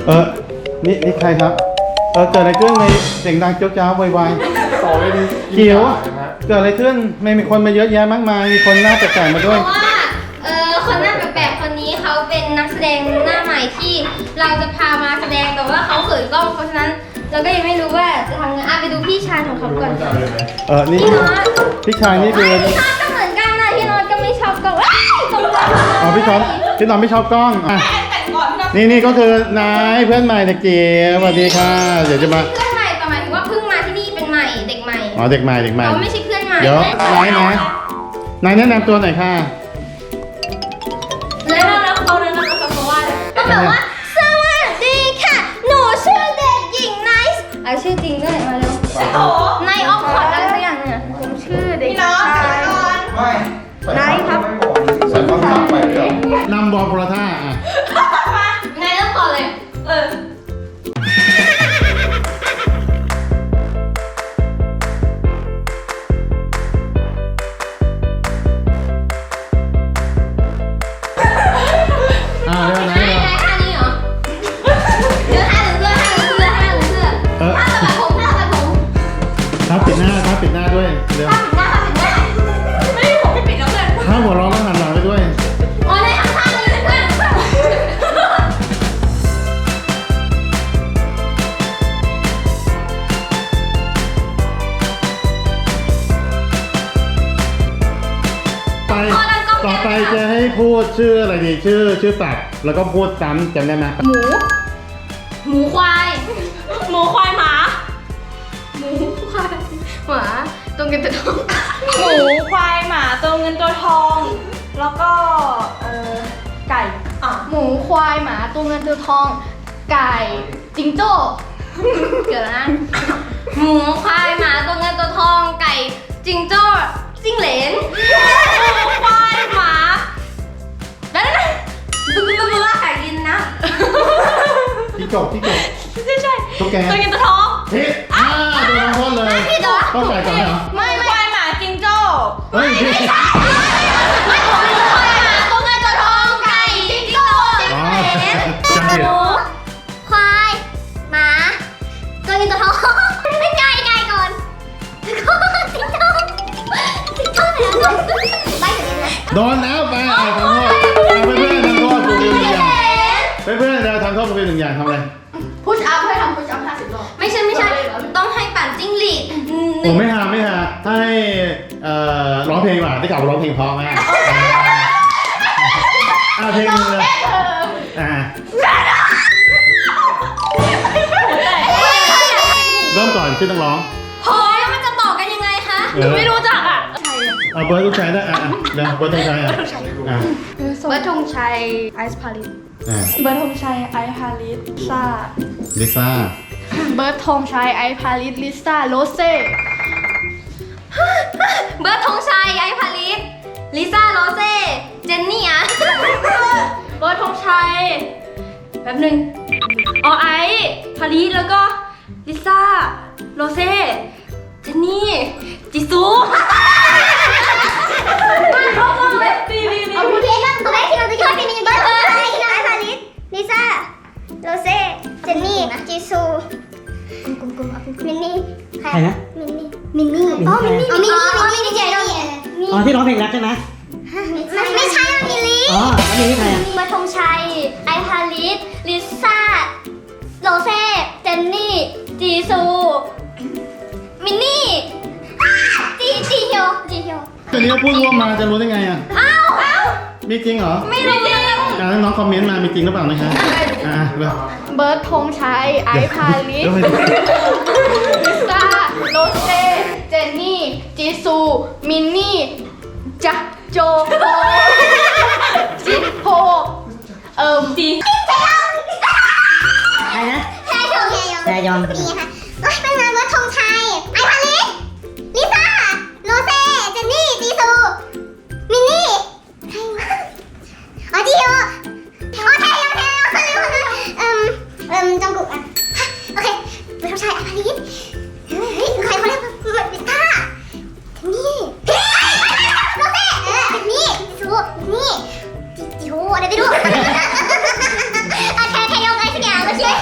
นี่ใครครับเกิดอะไรขึ้นในเสียงดังเจ้าจ้าววายต่อเลยดีเกี่ยวเกิดอะไรขึ้นไม่มีคนมาเยอะแยะมากมายมีคนหน้าแปลกๆมาด้วยเพราะว่าคนหน้าแปลกๆคนนี้เขาเป็นนักแสดงหน้าใหม่ที่เราจะพามาแสดงแต่ว่าเขาเขินกล้องเพราะฉะนั้นเราก็ยังไม่รู้ว่าจะทำไงไปดูพี่ชายของเขาก่อนนี่พี่ชายนี่คือพี่ชายก็เหมือนกันนะพี่โน้ตก็ไม่ชอบกล้องตรงพี่น้องไม่ชอบกล้องนี่ก็คือนายเพื่อนใหม่เด็กเก๋สวัสดีค่ะเดี๋ยวจะมาเพื่อนใหม่แต่หมายถึงว่าเพิ่งมาที่นี่เป็นใหม่เด็กใหม่เด็กใหม่เขาไม่ใช่เพื่อนใหม่เดี๋ยวนายแนะนำตัวหน่อยค่ะแล้วเขาแนะนำตัวเพราะว่าต้องแบบว่าสวัสดีค่ะหนูชื่อเด็กหญิงไนซ์ชื่อจริงด้วยมาเร็วไนออฟคอร์ดอะไรสักอย่างเนี่ยผมชื่อเด็กชายไนครับนำบอลโพลาท่าไนเริ่มก่อนเลยปิดหน้าด้วยเดี๋ยวไม่ผมไม่ปิดแล้วเพื่อนถ้าหัวร้อนต้องหันหลังไปด้วยในทางนี้เพื่อนต่อไปจะให้พูดชื่ออะไรดีชื่อสัตว์แล้วก็พูดซ้ำจำได้ไหมหมูควายหมาตัวเงินตัวทองหมูควายหมาตัวเงินตัวทองแล้วก็ไก่หมูควายหมาตัวเงินตัวทองไก่จิงโจ้เกิดนะหมูควายหมาตัวเงินตัวทองไก่จิงโจ้จิ้งเหลนหมูควายหมาแล้วนะดูไก่กินนะที่จบใช่ตัวแกตัวเงินตัวทองผิดตัวน้องพ่นเลยต้องใส่ก่อนเหรอไม่ควายหมาจิงโจ้ไม่หมูควายหมาตัวเงินตัวทองไก่จิงโจ้จำผิดควายหมาตัวเงินตัวทองไม่ไก่ก่อนจิงโจ้โดนแล้วไปทำโทษเพื่อนทำโทษกู1 อย่างเพื่อนเราทำโทษกู1 อย่างทำอะไรพุชอัพให้ทำพุชอัพ50 รอบไม่ใช่ต้องให้ปั่นจิ้งหรีดผมไม่หาให้ร้องเพลงว่ะได้กลับร้องเพลงเพราะไหมเพลงเลยเริ่มก่อนชื่อต้องร้องโอ้ยมันจะต่อกันยังไงคะไม่รู้จักเบิร์ดต้องใช้ได้เดี๋ยวเบิร์ดต้องใช้เบิร์ดธงชัยไอซ์พาริสเบิร์ดธงชัยไอซ์พาริสลิซ่าเบิร์ดธงชัยไอซ์พาริสลิซ่าโรเซ่เบิร์ดธงชัยไอซ์พาริสลิซ่าโรเซ่เจนนี่เบิร์ดธงชัยแป๊บนึงไอซ์พาริสแล้วก็ลิซ่าโรเซ่เจนนี่จิซูเอาพูดเองนะตัวแรกที่เราจะคิดว่าเป็นเบิร์ดธงชัยไอซ์พาริสลิซ่าโรเซ่เจนนี่จิซูมินนี่ใครนะมินนี่มินนี่นี่เจนี่ที่ร้องเพลงรักใช่ไหมไม่ใช่มิลลี่มิลลี่ใครเบิร์ดธงชัยไอซ์พาริสลิซ่าโรเซ่เจนนี่จีซูมินนี่จีเฮียวอันนี้พูดร่วมมาจะรู้ได้ไงมีจริงเหรอไม่รู้น้องคอมเมนต์มามีจริงหรือเปล่านะคะเบิร์ดธงชัยไอซ์พาริสลิซ่าโรเซ่เจนนี่จีซูมินนี่จักโจจิโฮจีใครนะแทยองนี่ค่ะเป็นงานเบิร์ดธงชัยไอซ์พาริสลิซ่าโรเซ่เจนนี่จีซูมินนี่จีโฮจงกุกโอเคเบิร์ดธงชัยไอซ์พาริสใครเขาเรียกลิซ่านี่โรเซ่นี่ซูนี่จิโฮอะไรไม่รู้แทยองไงสักอย่างก็ชื่อ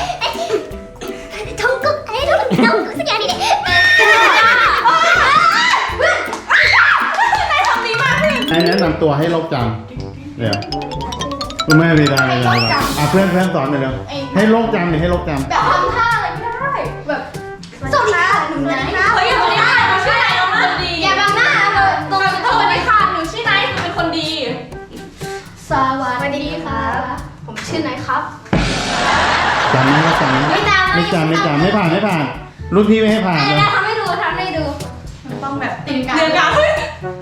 ตัวให้โลกจำเดี๋ยวคุณแม่ไม่ได้เพื่อนสอนหน่อยเร็วให้โลกจำดิให้โลกจำแบบทำท่าอะไรก็ได้แบบสวัสดีค่ะหนูไนท์เฮ้ยสวัสดีค่ะหนูชื่อไหนน้องคนดีอย่าบังหน้าเลยตรงสวัสดีค่ะหนูชื่อไนท์หนูเป็นคนดีสวัสดีค่ะผมชื่อไนท์ครับจำไหมว่าจำไหมไม่จำไม่ผ่านรุ่นพี่ไม่ให้ผ่านเลยทำให้ดูต้องแบบตีนกาเฮ้ย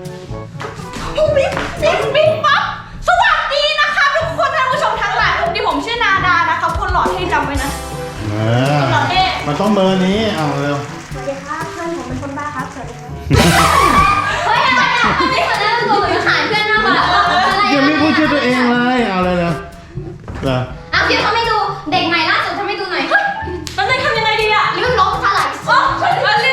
ปิ๊บปั๊บสวัสดีนะคะทุกคนท่านผู้ชมทั้งหลายที่ผมชื่อนาดานะครับคนหล่อเท่จำไว้นะ หล่อเท่มันต้องเบอร์นี้เอาเร็วสวัสดีครับเพื่อนผมเป็นคนบ้าครับสวัสดีครับเฮ้ยอะไรอ่ะไม่เคยได้ตัวหรือขายเพื่อนมากกว่าอะไรยังไม่พูดชื่อตัวเองเลยเอาเลยเร็วเหรอเอาคิวทำให้ดูเด็กใหม่ล่าสุดทำให้ดูหน่อยตอนนี้ทำยังไงดีอะเรื่องลบสลายอ๋อมันเรียก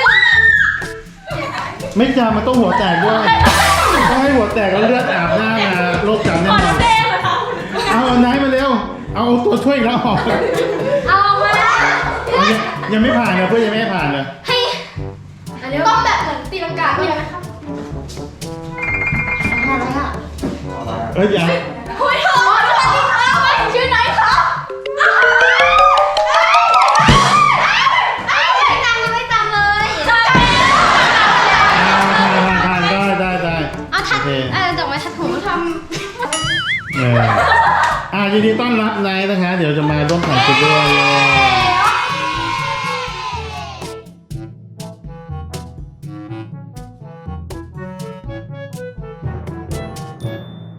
ไม่จำมันต้องหัวแตกด้วยต้องให้หัวแตกแล้วเลือดอาบหน้ามาโรคจำแน่ก่อนนอนเต้เลยค่ะเอาไหนมาเร็วเอาตัวช่วยอีกแล้วออกเอาออกมายังไม่ผ่านเลยเพื่อนยังไม่ให้ผ่านเลยให้ต้องแบบเหมือนตีลังกาด้วยนะครับอะไรอ่ะเอ้ยยังเฮ้ยเธอสวัสดีครับชื่อไหนครับไม่จำเลยผ่านได้เอาทัดโอเคดอกไม้ทัดผมทยินดีต้อนรับนายนะคะเดี๋ยวจะมาร่วมถ่ายคลิปด้วย